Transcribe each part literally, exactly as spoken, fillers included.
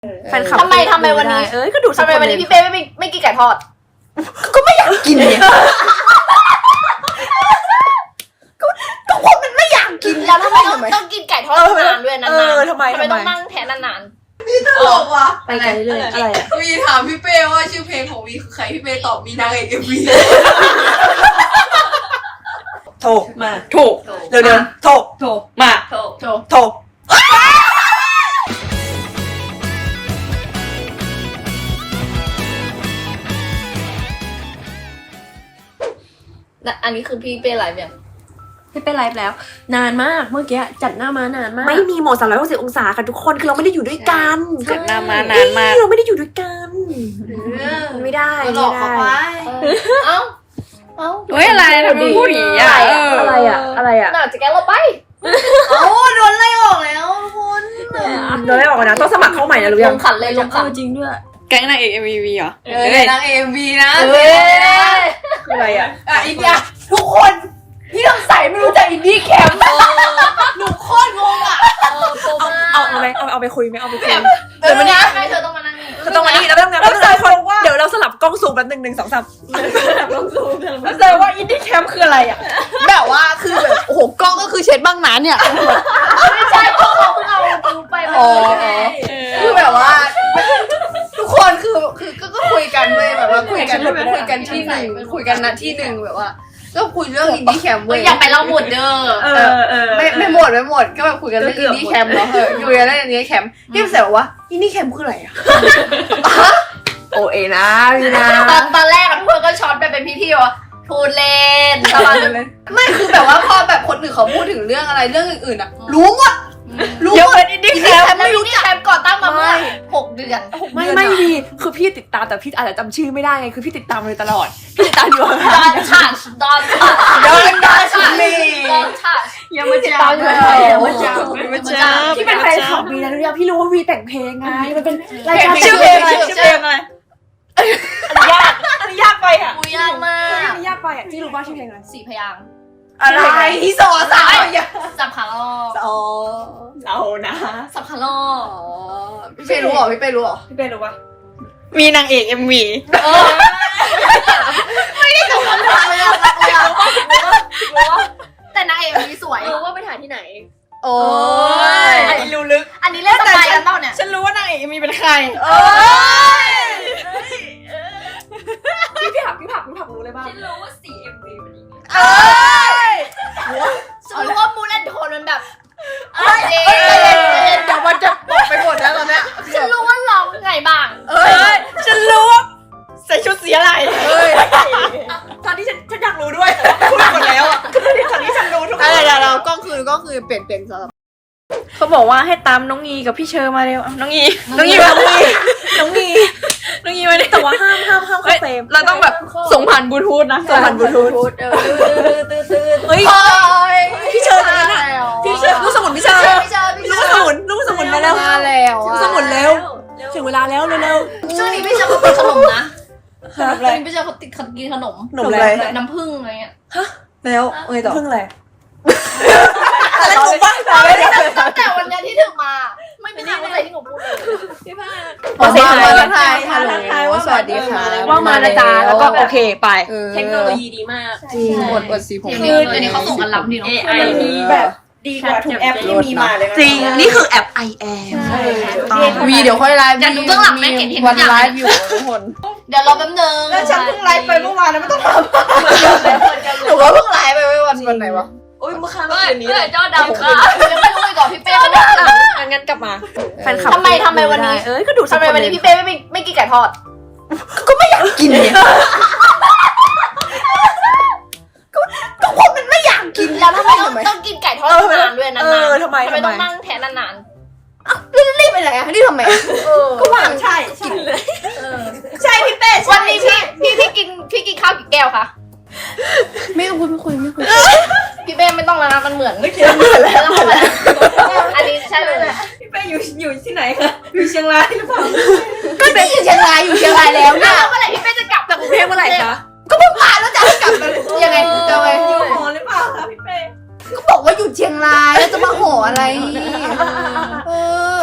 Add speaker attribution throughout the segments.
Speaker 1: แฟนคลับ
Speaker 2: ทำไมทำไมวันนี้
Speaker 1: เอ้ยก็ดู
Speaker 2: ทำไมวันนี้พี่เป้ไม่ไม่กินไก่ทอด
Speaker 1: ก็ไม่อยากกินเนี่ยก็ก็คนมันไม่อยากกิน
Speaker 2: แล้วทำไมต้องต้องกินไก่ทอดนานด้วยนาน
Speaker 1: เออทำไม
Speaker 2: ทำไม
Speaker 1: ทำไม
Speaker 2: ต้องนั่งแทนนาน
Speaker 3: ตลกว่ะ
Speaker 1: ไปกันเรื่อยๆอะไรอ่ะ
Speaker 3: วีถามพี่เป้ว่าชื่อเพลงของวีคือใครพี่เป้ตอบมีนางเอกเอ็มวี
Speaker 1: ถูกมาถูกเร็วๆถูกถูกมา
Speaker 2: ๆโถโถ
Speaker 1: ถูก
Speaker 2: อันนี้คือพี่เป้ไลฟ์เนี่ย
Speaker 4: พี่เป็นไลฟ์แล้ว นานมากเมื่อกี้จัดหน้ามานานมาก
Speaker 1: ไม่มีโหมดสามร้อยหกสิบองศาค่ะทุกคนคือเราไม่ได้อยู่ด้วยกัน
Speaker 4: จัดหน้ามานานมาก
Speaker 1: เราไม่ได้อยู่ด้วยกันไม่ได้
Speaker 3: ก็หลอกเขาไป
Speaker 2: เอ้าเอ้า
Speaker 4: เฮ้ยอะไรทำไมพูดอย่างนี้อ่ะเออ
Speaker 1: อะไรอ่ะอะไรอ่ะ
Speaker 2: น่าจะแกเราไป
Speaker 3: โอ้โดนไล่ออกแล้วคุณ
Speaker 1: เราได้ออกมานะต้องสมัครเข้าใหม่นะรู้
Speaker 2: ล
Speaker 1: ยัง
Speaker 2: งขันเลยลงขัน
Speaker 4: จริงด้วยแก๊งนางเอกเอ็มวีเหรอ
Speaker 3: เออนางเอ็มวีนะ
Speaker 2: เฮ้ย
Speaker 1: คืออะไรอ่ะ
Speaker 3: อ่ะอีกอย่างทุกคนพี่ต้องใส่ไม่รู้จักอินดี้แคมป์หนูโคตรงงอ่ะ
Speaker 2: เออโปร
Speaker 1: เอา
Speaker 2: มาก
Speaker 1: เอาเอาไหมเอาเอาไปคุยไหมเอาไปคุย
Speaker 2: เดี๋ยววันนี้ให้เธอต้องมานั่งนี่
Speaker 1: ก็ต้องมานี่แล้วต้องงานต้องงานคนเดี๋ยวเราสลับกล้องซูมแป๊บนึงหนึ่งสองสามแล้วแสดงว่าอินดี้แคมป์คืออะไรอ่ะ
Speaker 3: แบบว่าคือแบบโอ้โหกล้องก็คือเช็ดบ้างนะเนี่ย
Speaker 2: ไม่ใช่พวกเขาเพิ่งเอาดูไปวัน
Speaker 3: อ๋อ
Speaker 2: นี้
Speaker 3: คือแบบว่า ทุกคนคือคือก็ก็คุยกันเว้ยแบบว่าคุยกันคุยกันที่หนึ่งคุยกันนะที่หนึ่งแบบว่า ก็คุยเรื่องอินดี้แคมป์
Speaker 2: เอ
Speaker 3: เว้
Speaker 2: อย อย่าไปเล่าหมดเด้อ
Speaker 1: เออเออ
Speaker 3: ไม่ไม่หมดไม่หมดก็แบบคุยกันเรื่องอินดี้แคมป์เนาะเออคุยกันเรื่องอินดี้แคมป์ที่มันแสบอกว่าอินดี้แคมป์คืออะไรอ่ะ
Speaker 1: โอเอนะพี่นะ
Speaker 2: ตอนตอนแรกอะทุกคนก็ช็อตไปเป็นพี่ๆว่าพูดเล่นประมาณนั้นเลย
Speaker 3: ไม่คือแบบว่าพอแบบคนอื่นเขาพูดถึงเรื่องอะไรเรื่องอื่นๆอ่ะรู้หมดรู้
Speaker 1: เดี๋ยว
Speaker 3: หมด
Speaker 1: เป็นอินดี้แคมป์
Speaker 2: ไม่รู้จักแคมป์ก่อตั้งมาเมื่อหกเดือนหก
Speaker 1: ไม่
Speaker 2: เดือน
Speaker 1: ไม่ดีคือพี่ติดตามแต่พี่อาจจะจำชื่อไม่ได้ไงคือพี่ติดตามมาเลยตลอดพี่ติดตามอยู่
Speaker 2: ดอนชัดดอนชัด
Speaker 1: ดอนชัด
Speaker 2: ดอนชัด
Speaker 4: ยังไม่
Speaker 1: ติด
Speaker 4: จ้า
Speaker 1: ตามอยู่ตลอด
Speaker 4: ไม่จ้าไม่จ้า
Speaker 1: พี่เป็นแฟนคลับวีนะรู้ยังพี่รู้ว่าวีแต่งเพลงไงมันเป็นรายการ
Speaker 4: ชื่อเพลงอะไรชื่อเพลงอะไร
Speaker 1: อันนี้ยากอันนี้ยากไปอ่ะ
Speaker 2: กูยากมาก
Speaker 1: อันนี้ยากไปอ่ะพี่รู้ป่ะชื่อเพลงอะไร
Speaker 2: สี่พยางค์
Speaker 3: อะไรที่สอสาวอย่า
Speaker 2: สับขาลอก
Speaker 3: อ๋อ
Speaker 1: เรานะ
Speaker 2: สับขาลอก
Speaker 3: อ๋อพี่เป้รู้เหรอพี่เป้รู้เหรอ
Speaker 1: พี่เป็นรู้ป่ะ
Speaker 4: มีนางเอกเอ็มวี
Speaker 2: เออไม่ได้กับคนทำเลยอะแต่นางเอกมีสวย
Speaker 4: รู้ว่าไปถ่ายที่ไหน
Speaker 3: โอ้ย
Speaker 1: อันนี้รู้ลึก
Speaker 2: อันนี้เล่นสไตล์กันเปล่าเนี่ย
Speaker 4: ฉันรู้ว่านางเอกเอ็มวีเป็นใคร
Speaker 3: โอ้ย
Speaker 1: พี่พี่ผักพี่ผักพี่ผักรู้เลยป่ะ
Speaker 4: ฉันรู้ว่าสีเอ็มวีเป็นยังไง
Speaker 3: เอ้ย
Speaker 2: ฉันรู้ว่ามูนแอนโทนมันแบบ
Speaker 3: เอ้ยเอ้ยเอ้ยเอ้ยเดี๋ยวมันจะบอกไปหมดแล้วตอนเนี้ย
Speaker 2: ฉันรู้ว่าร้องไงบ้าง
Speaker 3: เอ้ย
Speaker 4: ฉันรู้ว่าใส่ชุดสีอะไร
Speaker 3: เอ้ย
Speaker 1: ตอนนี้ฉันฉันอยากรู้ด้วยพูดหมดแล้วอ่ะตอนนี้ตอนนี้ฉันรู้ทุกค
Speaker 3: อะไร
Speaker 1: น
Speaker 3: เดี๋ยวเราก็คือก็คือเปลี่ยนเปลี่ยนสำหรับ
Speaker 4: เขาบอกว่าให้ตามน้องอีกับพี่เชอร์มาเร็วน้องอีน้องอี
Speaker 1: น้
Speaker 4: มา
Speaker 1: องมีน้องมี
Speaker 4: น้องอีมาเร็ว
Speaker 1: แต่ว่าห้ามห้ามห้ามเข้าเฟรม
Speaker 4: เราต้องแบบส่งผ่านบลูทูธนะ
Speaker 1: ส่งผ่านบลูทูธ
Speaker 2: เออตื้อตื้อ
Speaker 1: เฮ้ย
Speaker 3: โอ้ย
Speaker 1: พี่เชิญอันนั้นอะพี่เชิญลูกสมุนพี่เชิญ
Speaker 2: พี่เจอพี่
Speaker 1: ลู
Speaker 2: เจ
Speaker 1: ก
Speaker 2: อ
Speaker 1: สมุนลูกสมุนมาแล้ว
Speaker 3: มาแล้ว
Speaker 1: ลูก
Speaker 3: อะ
Speaker 1: สมุนเร็วถึงเวลาแล้วเร็ว
Speaker 2: ช่วงนี้พี่เจอเขาติดขนมนะ
Speaker 1: ๆ
Speaker 2: ช่วงนี้พี่เจอเขาติดกินขนม
Speaker 1: หนุ่มอะไร
Speaker 2: น้ำผึ้งอะไรเงี้ย
Speaker 1: แล้วไงต่อเพิ่งอะไร
Speaker 3: อะไรถูกป่ะ
Speaker 2: ตั้งแต่วันนี้ที่ถึงมา ไม่มีทางเข้าใจที่หนูพูดเลย
Speaker 3: ขอเสียง
Speaker 1: ทั
Speaker 3: ทั
Speaker 1: ก
Speaker 3: ก
Speaker 1: ทา
Speaker 3: ทาย ย
Speaker 1: ทั
Speaker 3: ฮัล
Speaker 1: ก
Speaker 3: โหล
Speaker 1: ทายว่า
Speaker 3: สวัสดีค่ะ
Speaker 1: ว่ามานะจ๊ะแล้วก็โอเคไป
Speaker 3: เออ
Speaker 4: เทคโนโลยีดีมาก
Speaker 3: จริงอดอดสีผม
Speaker 2: คือเดี๋ยวนี้เขาส่งกันล้ำดีเนาะ
Speaker 4: เอ ไอ นี่
Speaker 1: แบบดีกว่าทุกแอปที่มีมาเลยจริงนี่คือแอป ไอ แอม
Speaker 3: ใช่วีเดี๋ยวค่อยไลฟ์
Speaker 2: เดี๋ยวดูเบื้องหลังแม่เห็นเห็นทุ
Speaker 3: วั
Speaker 2: ก
Speaker 3: น
Speaker 2: อย่าง
Speaker 3: ไลฟ์อยู่ทุกคน
Speaker 2: เดี๋ยวรอแป๊บนึง
Speaker 1: แล้วฉันเพิ่งไลฟ์ไปเมื่อวานนะไม่ต้องท
Speaker 3: หนูก็เพิ่งไลฟ์ไปเมื่อวันวันไหนวะ
Speaker 1: ำโอ้ยเมื่อคืนเมื่อ
Speaker 2: เฮ้ย
Speaker 1: คืนนี้
Speaker 2: เฮ้ยเจ้าดำค่ะยังไม่รู้เลยก่อนพี่เป้ไม่ได้
Speaker 1: อ่ะงั้นกลับมาแฟนคลับ
Speaker 2: ทำไมทำไมวันนี้
Speaker 1: เอ้ยก็ดู
Speaker 2: ทำไมวันนี้พี่เป้ไม่ไม่กินไก่ทอด
Speaker 1: กินเนี่ยก็คนมันไม่อยากกิน
Speaker 2: แล้วทำไมต้องต้องกินไก่ทอดนานด้วยนาน
Speaker 1: เออทำไม
Speaker 2: ทำไม
Speaker 1: ทำไม
Speaker 2: ต้องนั่งแทนนาน
Speaker 3: รีบไปไหนอะนี่ทำไมอะ
Speaker 2: ๆเออ
Speaker 1: ก็ว่างใช่กินเลยใช่พี่เป้
Speaker 2: วันนี้พี่พี่พี่กินพี่กินข้าวกี่แก้วคะ
Speaker 3: ไม่คุยไม่คุยไม่คุย
Speaker 2: พี่เป้ไม่ต้องแล้วนะมันเหมือน
Speaker 1: ไม่กินเหมือนแล้ว
Speaker 2: อันนี้ใช่เลย
Speaker 4: พี่เป้อยู่อยู่ที่ไหนคะอยู่เชียงรายหรือเปล่า
Speaker 3: ก็เป็นอยู่เชียงรายอยู่เชียงรายแล้วเนี่ย
Speaker 2: แล้วเมื่อไหร่พี่เป้จะกลับ
Speaker 1: จากกรุงเทพเมื่อไหร่คะ
Speaker 3: ก็เพิ่งมาแล้วจะให้กลับมายังไงจะไป
Speaker 4: อยู่หอหรือเปล่าคะพี่เป้
Speaker 3: ก็บอกว่าอยู่เชียงรายแล้วจะมาหออะไรเออ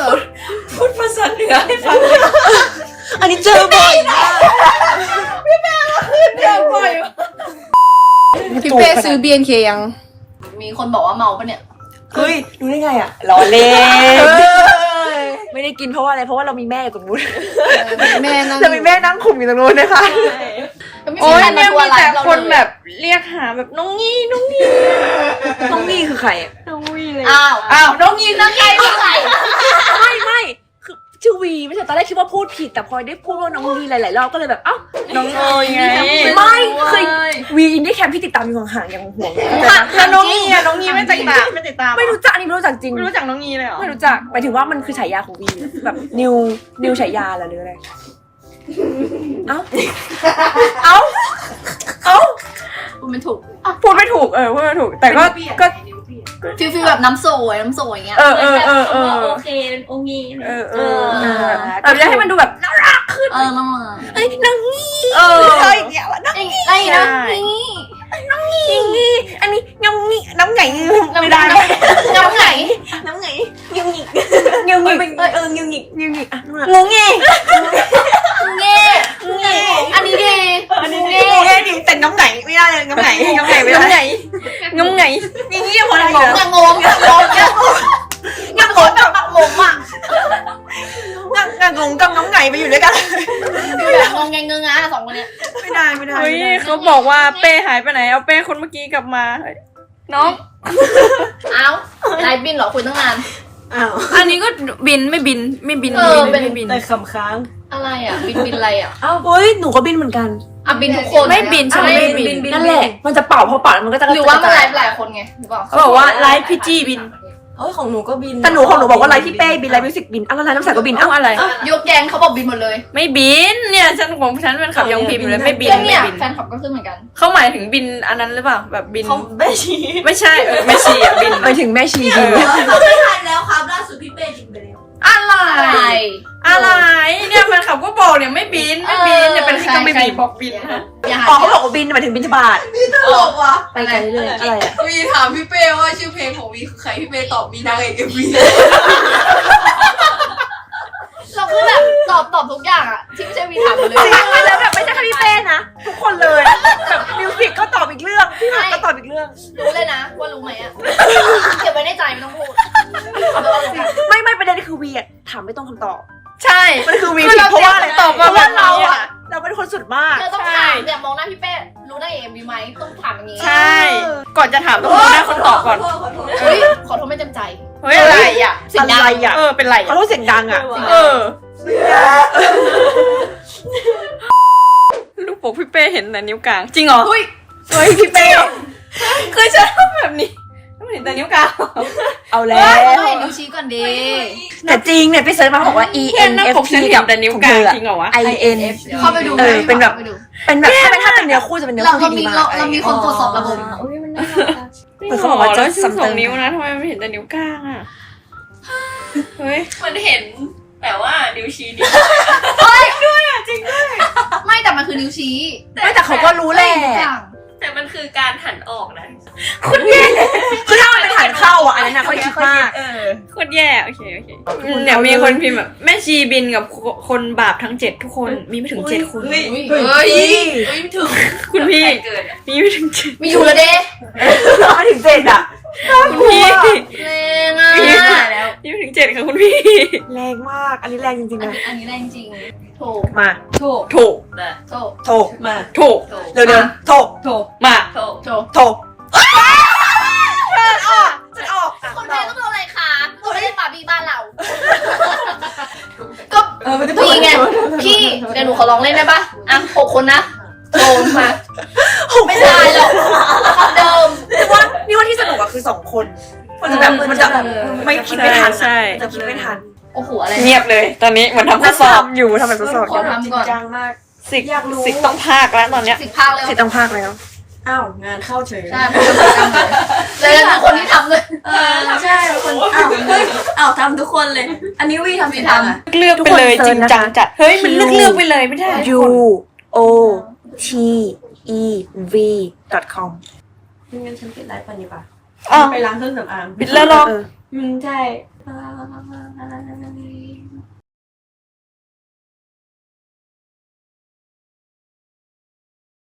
Speaker 1: พูดภาษาเหนือให้ฟังอันนี้เจอบ่อยมากพี่แม่ก็ขึ้นเจอบ่อย
Speaker 3: พี่เป้ซื้อ บี เอ็น เค ยัง
Speaker 2: มีคนบอกว่าเมาปะเนี่ย
Speaker 1: เฮ้ยรู้ได้ไงอ่ะล้อเล่นไม่ได้กินเพราะว่าอะไรเพราะว่าเรามีแม่อยู่ตรงนู้น
Speaker 3: แม่นั่ง
Speaker 1: เรามีแม่นั่งคุมอยู่ตรงนู้นนะคะ
Speaker 4: โอ้ยเนี่ยมีแต่คนแบบเรียกหาแบบน้องงี้น้องงี้
Speaker 1: น้องนี่คือใครอ่ะ
Speaker 4: น้องงี้เลย
Speaker 2: อ้าว
Speaker 1: อ้าวน้องนี่
Speaker 2: นั่งไงนั่งไง
Speaker 1: ไม่ไม่คือชื่อวีไม่ใช่ตอนแรกคิดว่าพูดผิดแต่พอได้พูดว่าน้องวีหลายๆรอบก็เลยแบบเอ้า
Speaker 4: น้องเอ๋ยไง
Speaker 1: ไม่เคยวีอินดี้แคมป์ที่ติดตามอยู่ห่างๆยังห่วง
Speaker 4: แล้วน้องงี้อะน้องงี้ไม่ติดตามไม่ติดตาม
Speaker 1: ไม่รู้จักอันนี้ไม่รู้จักจริง
Speaker 4: ไม่รู้จักน้องงี้เลยเหรอ
Speaker 1: ไม่รู้จักหมายถึงว่ามันคือฉายาของวีแบบนิวนิวฉายาเหรอหรืออะไรเอ้าเอ้าเอ้า
Speaker 2: พูดไม่ถูก
Speaker 4: พูดไม่ถูกเออพูดไม่ถูกแต่ก็ก็
Speaker 2: ฟิลฟิลแบบน้ำสวยน้ำสวยอย่างเงี้ย
Speaker 4: เออเออเออเออ
Speaker 5: โอเคเป็นโองี
Speaker 4: เออเออแต่จะให้มันดูแบบน่ารักขึ้น
Speaker 2: เออน้อง
Speaker 1: เอ้ยน้องนี่
Speaker 4: เออ
Speaker 1: เฮ้ยเดี๋ยวน้อง
Speaker 2: ไอ้ไอ้นะนี่
Speaker 1: นี่อันนี้น้องนี่น้องไงไม่ได้
Speaker 2: น้ำไหน
Speaker 1: น้องไงงิวงิกงิวงิกเอองิวงิกงิวงิกอ่ะ
Speaker 4: งูงี้
Speaker 2: เงี้ยอันนี้ดีอันนี้ดี
Speaker 1: งูไงดิแต่น้องไงไม่ได้เลยน้องไงน้องไงไม่
Speaker 4: งง
Speaker 1: ได้
Speaker 4: ไงงงไง
Speaker 1: อย่างนี้พอ
Speaker 2: ง
Speaker 1: ได้
Speaker 2: ง
Speaker 1: เหรอ
Speaker 2: งงงงงงงงแบบงงอ่ะ
Speaker 1: งงงกับน้องไงไปอยู่ด้วยกัน
Speaker 2: แบบงงแงงงอ่ะสองคนเนี้ย
Speaker 1: ไม่ได้ไม่ได้
Speaker 4: เฮ้ยเขาบอกว่าเป้หายไปไหนเอาเป้คนเมื่อกี้กลับมาน้อง
Speaker 2: เอ้านายบินเหรอคุยตั้งนาน
Speaker 1: อ้าว
Speaker 4: อันนี้ก็บินไม่บินไม่บิน
Speaker 2: เออเป็น
Speaker 4: ไม่บิน
Speaker 1: แต่คำค้าง
Speaker 2: อะไรอ่ะบินบินอะไรอ่ะ
Speaker 1: อ้าวเฮ้ยหนูก็บินเหมือนกัน
Speaker 2: อ่ะบินทุกคน
Speaker 4: ไม่บินฉันไม่บิน
Speaker 1: นั่นแหละมันจะเป่าพอเป่าแล้วมันก็จะ
Speaker 2: หรือว่ามันไลฟ์หลายคนไงหรือเปล่า
Speaker 4: เขาบอกว่าไลฟ์พี่จี้บิน
Speaker 5: เอ้ยของหนูก็บิน
Speaker 1: แต่หนูของหนูบอกว่าไลฟ์ที่เป้บินไลฟ์มิวสิกบินอ้าวแล้วไลฟ์น้ำใสก็บิน
Speaker 4: เอา
Speaker 1: อ้าว
Speaker 4: อะไร
Speaker 2: ยกแกงเขาบอกบินหมดเลย
Speaker 4: ไม่บินเนี่ยฉันของฉันเป็นขับยองพิมพ์อยู่เลยไม่บิน
Speaker 2: เพื่อน
Speaker 4: ไม่
Speaker 2: เนี่ย
Speaker 4: บิน
Speaker 2: แฟนคลับก็ขึ้นเหมือนกัน
Speaker 4: เขาหมายถึงบินอันนั้นหรือเปล่าแบบบิน
Speaker 5: เขาไม่ชี้
Speaker 4: ไม่ใช่เออไม่ชีอ่ะบิน
Speaker 1: ไปถึงแม่ชีบิน
Speaker 5: เขาไม่ทันแล้วครับล่าสุดพี่เป้บินไปแล้ว
Speaker 4: อะไร
Speaker 2: อะไร
Speaker 4: อะไรเนี่ยแฟนคลับก็บอกเนี่ยไม่บินไม่บินเนี่ยเป็นที่ก็ไม่บินบอกบินนะ
Speaker 2: อย่า
Speaker 1: อ๋อ
Speaker 2: หา
Speaker 1: เขาบอกว่าบินหมายถึงบินทบาท
Speaker 5: ตลกว่ะ
Speaker 1: ไปกันเรื่อยๆอะไรอ่ะ
Speaker 3: วีถามพี่เป้ว่าชื่อเพลงของวีคือใครพี่เป้ตอบมีนางเอกเอ็มวี
Speaker 2: เราคือแบบตอบตอบทุกอย่างอ่ะที่ไม่ใช่วีถามหมดเลย
Speaker 1: แล้วแบบไม่ใช่แค่พี่เป้นะทุกคนเลยแบบมิวสิกก็ตอบอีกเรื่องพี่หมากก็ตอบอีกเรื่อง
Speaker 2: รู้เลยนะว่ารู้ไหมอ่ะเก็บไว้ในใจไม่ต้องพูดเอาเป็นว่ารู้กัน
Speaker 1: ไม่ไม่ประเด็นคือวีอะถามไม่ต้องคำตอบ
Speaker 4: ใช่
Speaker 1: มันคือวี
Speaker 4: คือ
Speaker 1: ผิด
Speaker 4: เรา
Speaker 1: เพราะว่าอะไร
Speaker 4: ตอบ
Speaker 1: เพ
Speaker 4: มา
Speaker 1: ราะว่าเรา
Speaker 4: แบบนี้
Speaker 1: อะ
Speaker 4: อะ
Speaker 1: เราเป็นคนสุดมาก
Speaker 2: เธอต้องถามเนี่ยมองหน้าพี่เป้รู้ได้เอ็มวีไหมต้องถามอย่างนี้
Speaker 4: ใช่ ก่อนจะถามต้องดูหน้าคนตอบก่อน
Speaker 5: ขอโทษ
Speaker 2: เฮ้ยขอโทษไม่เต็มใจ
Speaker 4: เฮ้ยอะไรอ่ะ
Speaker 2: เสียงดัง
Speaker 1: อะไรอะ
Speaker 4: เออเป็นไร
Speaker 1: เขา
Speaker 4: อ่ะ
Speaker 1: ต้องเสียงดังอะ
Speaker 4: เออลูกโป่งพี่เป้เห็นแต่นิ้วกลางจริงเหรอ
Speaker 2: เฮ้ย
Speaker 1: เฮ้ยพี่เป้
Speaker 4: เคยจะทำแบบนี้ไม่เห็นแต่นิ้วกลาง
Speaker 1: เอาแล้
Speaker 2: เฮ้ยต้อ
Speaker 1: ว
Speaker 2: งเห็นนิ้วชี้ก่อนดี
Speaker 1: แต่จริงเนี่ยพี่เซิร์ชมาบอกว่า E
Speaker 4: เห็น
Speaker 1: N
Speaker 4: หน้า
Speaker 1: F
Speaker 4: ปก
Speaker 1: P
Speaker 4: ฉันเห็นแต่นิ้วกลางจริงเหรอวะ
Speaker 1: I N
Speaker 2: เข้าไปดู
Speaker 1: เออเป็นแบบ
Speaker 2: ข้าไดู
Speaker 1: เป็นแบบถ้าเป็นถ้าเป็นเนื้อคู่จะเป็นเนื้อ
Speaker 2: เรา
Speaker 1: คู่
Speaker 2: เรา
Speaker 1: ที่
Speaker 2: มี
Speaker 1: ดีมา
Speaker 2: เรา
Speaker 1: ก
Speaker 2: เรามีคนตรวจสอบระบบ
Speaker 5: อุ้ยมันน่ารักอะ
Speaker 1: เหมือนเขาบอกว่าจะ
Speaker 4: แล้วชู
Speaker 1: ซ้ำ
Speaker 4: ส
Speaker 1: เติ
Speaker 4: อง
Speaker 1: ม
Speaker 4: นิ้วนะทำไมไม่เห็นแต่นิ้วกลางอ่ะเฮ้ย
Speaker 5: มันเห็นแต่ว่านิ้วชี้นิ้ว
Speaker 2: ไม่แต่มันคือนิ้วชี้
Speaker 1: ไม่แต่เขาก็รู้แหละ
Speaker 5: แต่มันคือการหันออกนะ
Speaker 1: คุณแย่คือถ้ามันเป็นฐานเข้าอ่ะอันนั้นน่ะเขาคิดมาก
Speaker 5: เออ
Speaker 4: โคตรแย่โอเคโอเคเดี๋ยวมีคนพิมพ์แบบแม่ชีบินกับคนบาปทั้งเจ็ดทุกคนมีไม่ถึงเจ็ดคน
Speaker 5: เฮ้ย
Speaker 2: เฮ้ย
Speaker 3: เฮ้ย
Speaker 5: เฮ้ยถึง
Speaker 4: คุณพี่
Speaker 5: ใครเกิดอะ
Speaker 4: มีไม่ถึงเจ็ด
Speaker 2: มีอยู่แล้วเด้
Speaker 1: มาถึงเจ็ดอ่ะ
Speaker 4: คุณพี่
Speaker 2: แรงอ่ะ
Speaker 4: มีไม่ถึงเจ็ดค่ะคุณพี่
Speaker 1: แรงมาก อันนี้แรงจริงๆ
Speaker 2: อัน
Speaker 1: นะ
Speaker 2: นี้อันนี้แรงจริงโถ
Speaker 1: มา
Speaker 5: โถ
Speaker 4: ถูก
Speaker 5: นะ
Speaker 2: โถ
Speaker 1: โถ
Speaker 5: มา
Speaker 4: ถูก
Speaker 5: โถ
Speaker 1: เร็วๆโถ
Speaker 5: โถ
Speaker 4: มา
Speaker 5: โถ
Speaker 2: โถ
Speaker 1: โถฉันออกฉันออก
Speaker 2: คนไทยต้องโดนอะไรคะตัวไม่ใช่บาร์บี้บ้านเรา ก็พี่ไงพี่เดี๋ยวหนูขอลองเล่นได้ปะอ่ะหกคนนะโถมาไม่ได้หรอกคำเดิม
Speaker 1: นี่ว่านี่ว่าที่สนุกอะคือสองคน มันจะแบบมันจะไม่คิดไม่ทัน
Speaker 4: ใช่
Speaker 1: จะคิดไม่ทัน
Speaker 2: โอ้โหอะไร
Speaker 4: เงียบเลย ตอนนี้เหมือนทำข้อสอบ
Speaker 1: ทำอยู่ทำแบบสด
Speaker 2: ขอทำก่อน
Speaker 5: จังมาก
Speaker 4: สิกสิกต้องพากแล้วตอนเนี้ย
Speaker 2: สิบภาคเลย
Speaker 1: ๆสิต้องพากแล้ว
Speaker 5: อ้าวงานเข้าเฉย
Speaker 2: ใช่ผมทำเลยเลยนะคนที่ทำเลย
Speaker 5: เออใช่คนอ้าวเฮ้ยอ้าวทำทุกคนเลย อันนี้วีทำสิทำอะ
Speaker 4: เลือกไปเลยจริงจังจัด เฮ้ยมันเลือกเลือกไปเลยไม่ได้
Speaker 1: U O T E V dot com
Speaker 5: งั้นฉันปิดไลฟ์ไปดีป่ะ
Speaker 4: อ๋อ
Speaker 5: ไปล้างเครื่องสำอาง
Speaker 4: ปิดแล้วหรอ
Speaker 1: เออ
Speaker 5: อืมใช่าย